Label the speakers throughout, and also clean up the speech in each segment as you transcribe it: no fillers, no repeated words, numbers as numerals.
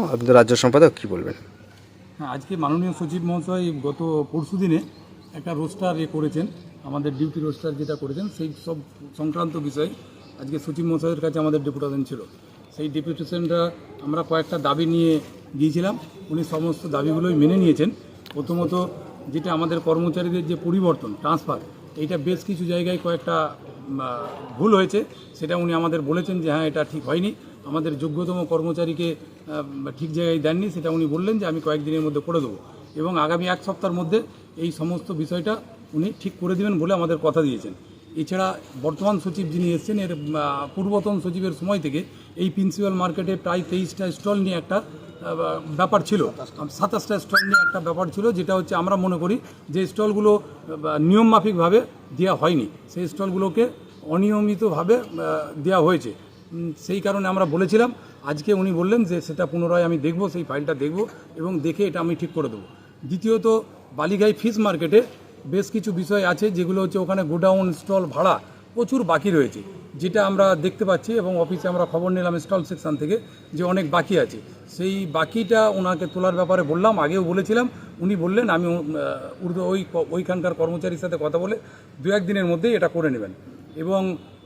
Speaker 1: আপনি তো রাজ্য সম্পাদক, কী বলবেন?
Speaker 2: হ্যাঁ, আজকে মাননীয় সচিব মহাশয় গত পরশু দিনে একটা রোস্টার করেছেন, আমাদের ডিউটি রোস্টার যেটা করেছেন সেই সব সংক্রান্ত বিষয়ে আজকে সচিব মহাশয়ের কাছে আমাদের ডেপুটেশন ছিল। সেই ডেপুটেশনটা আমরা কয়েকটা দাবি নিয়ে গিয়েছিলাম, উনি সমস্ত দাবিগুলোই মেনে নিয়েছেন। প্রথমত যেটা আমাদের কর্মচারীদের যে পরিবর্তন ট্রান্সফার, এইটা বেশ কিছু জায়গায় কয়েকটা ভুল হয়েছে, সেটা উনি আমাদের বলেছেন যে হ্যাঁ এটা ঠিক হয়নি, আমাদের যোগ্যতম কর্মচারীকে ঠিক জায়গায় দেননি, সেটা উনি বললেন যে আমি কয়েকদিনের মধ্যে করে দেবো এবং আগামী এক সপ্তাহের মধ্যে এই সমস্ত বিষয়টা উনি ঠিক করে দেবেন বলে আমাদের কথা দিয়েছেন। এছাড়া বর্তমান সচিব যিনি এসেছেন এর পূর্বতন সচিবের সময় থেকে এই প্রিন্সিপাল মার্কেটে প্রায় 23টা স্টল নিয়ে একটা ব্যাপার ছিল, 27টা স্টল নিয়ে একটা ব্যাপার ছিল, যেটা হচ্ছে আমরা মনে করি যে স্টলগুলো নিয়মমাফিকভাবে দেওয়া হয়নি, সেই স্টলগুলোকে অনিয়মিতভাবে দেওয়া হয়েছে। সেই কারণে আমরা বলেছিলাম, আজকে উনি বললেন যে সেটা পুনরায় আমি দেখব, সেই ফাইলটা দেখব এবং দেখে এটা আমি ঠিক করে দেবো। দ্বিতীয়ত বালিগাই ফিশ মার্কেটে বেশ কিছু বিষয় আছে যেগুলো হচ্ছে ওখানে গোডাউন স্টল ভাড়া প্রচুর বাকি রয়েছে, যেটা আমরা দেখতে পাচ্ছি এবং অফিসে আমরা খবর নিলাম স্টল সেকশন থেকে যে অনেক বাকি আছে। সেই বাকিটা ওনাকে তোলার ব্যাপারে বললাম, আগেও বলেছিলাম, উনি বললেন আমি ওইখানকার কর্মচারীর সাথে কথা বলে 2-1 দিনের মধ্যেই এটা করে নেবেন। এবং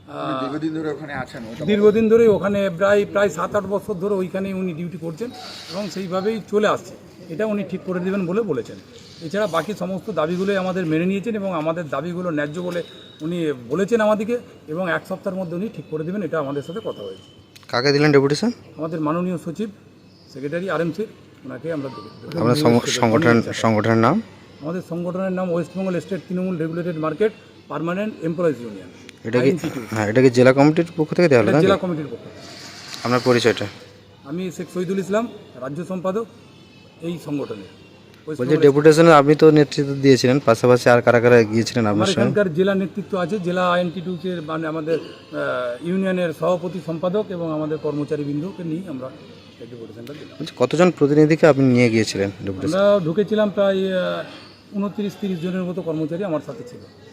Speaker 2: দীর্ঘদিন ধরে ওখানে প্রায় 7-8 বছর ধরে ওইখানেই উনি ডিউটি করছেন এবং সেইভাবেই চলে আসছে, এটা উনি ঠিক করে দেবেন বলে বলেছেন। এছাড়া বাকি সমস্ত দাবিগুলোই আমাদের মেনে নিয়েছেন এবং আমাদের দাবিগুলো ন্যায্য বলে উনি বলেছেন আমাদেরকে এবং এক সপ্তাহের মধ্যে উনি ঠিক করে দেবেন, এটা আমাদের সাথে কথা হয়েছে।
Speaker 1: কাকে দিলেন ডেপুটেশন?
Speaker 2: আমাদের মাননীয় সচিব সেক্রেটারি RMC, ওনাকে আমরা
Speaker 1: আপনার সংগঠনের নাম?
Speaker 2: আমাদের সংগঠনের নাম west Bengal state Trinamool regulated market permanent employees union.
Speaker 1: এটা কি এটা কি জেলা কমিটির পক্ষ থেকে দেওয়া হলো?
Speaker 2: জেলা কমিটির পক্ষ।
Speaker 1: আপনার পরিচয়টা?
Speaker 2: আমি শেখ শহীদুল ইসলাম, রাজ্য সম্পাদক এই সংগঠনের।
Speaker 1: বলছি ডেপুটেশনে আপনি তো নেতৃত্ব দিয়েছিলেন, পাশাপাশি আর কারা কারা গিয়েছিলেন আপনার সঙ্গে?
Speaker 2: এখানকার জেলা নেতৃত্ব আছে, জেলা INTTUC-এর মানে আমাদের ইউনিয়নের সভাপতি সম্পাদক এবং আমাদের কর্মচারীবৃন্দকে নিয়ে আমরা ডেপুটেশনটা দিলাম।
Speaker 1: কতজন প্রতিনিধিকে আপনি নিয়ে গিয়েছিলেন ডেপুটেশন?
Speaker 2: আমরা ঢুকেছিলাম প্রায় 29-30 জনের মতো কর্মচারী আমার সাথে ছিল।